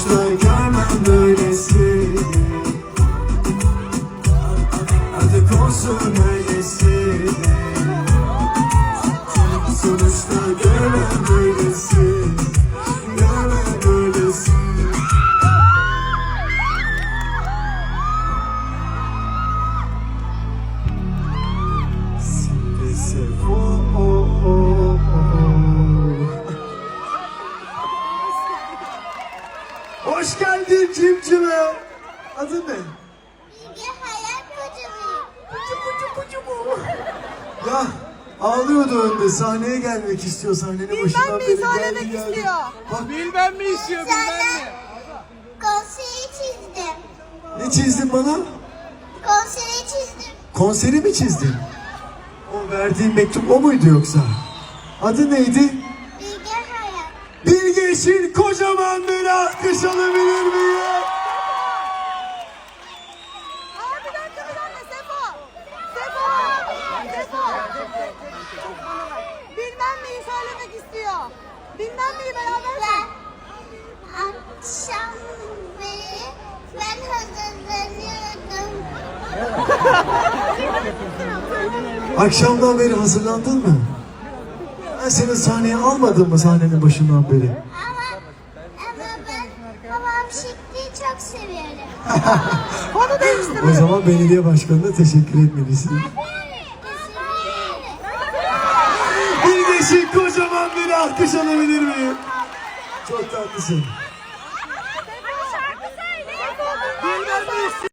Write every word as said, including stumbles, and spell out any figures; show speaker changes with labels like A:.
A: sonuçta görmem böylesini. Artık olsun öylesini. Sonuçta görmem böylesini. Görmem böylesini. Oh, oh, oh, oh. Hoş geldin cimcime. Adın ne?
B: Bilge hayal kocamıyım.
A: Ya ağlıyordu önde, sahneye gelmek istiyor, sahnenin başından
C: mi?
A: beri
C: Söylemek
A: geldi geldi.
C: istiyor.
A: Bak,
D: Bilmem mi istiyor, bilmem mi?
B: Konseri çizdim.
A: ne çizdin bana?
B: Konseri çizdim.
A: Konseri mi çizdin? O verdiğin mektup o muydu yoksa? Adı neydi?
B: Bilge hayal.
A: Bilge için kocaman bir alkış alabilir miyim?
C: Aa bir dakika bir dakika Sefo. Sefo. Sefo. Bilmem neyi söylemek istiyor. Bilmem neyi beraber
B: Ben akşam beri ben hazırlanıyordum.
A: Akşamdan beri hazırlandın mı? Ben seni sahneye almadım mı sahnenin başından beri?
B: Ama ama ben babam şıklığı çok seviyorum.
C: Konu değiştir.
A: O zaman belediye başkanına teşekkür etmelisin. Bilge için kocaman bir alkış alabilir miyim? Çok tatlısın.
C: Bilmem ne istiyor.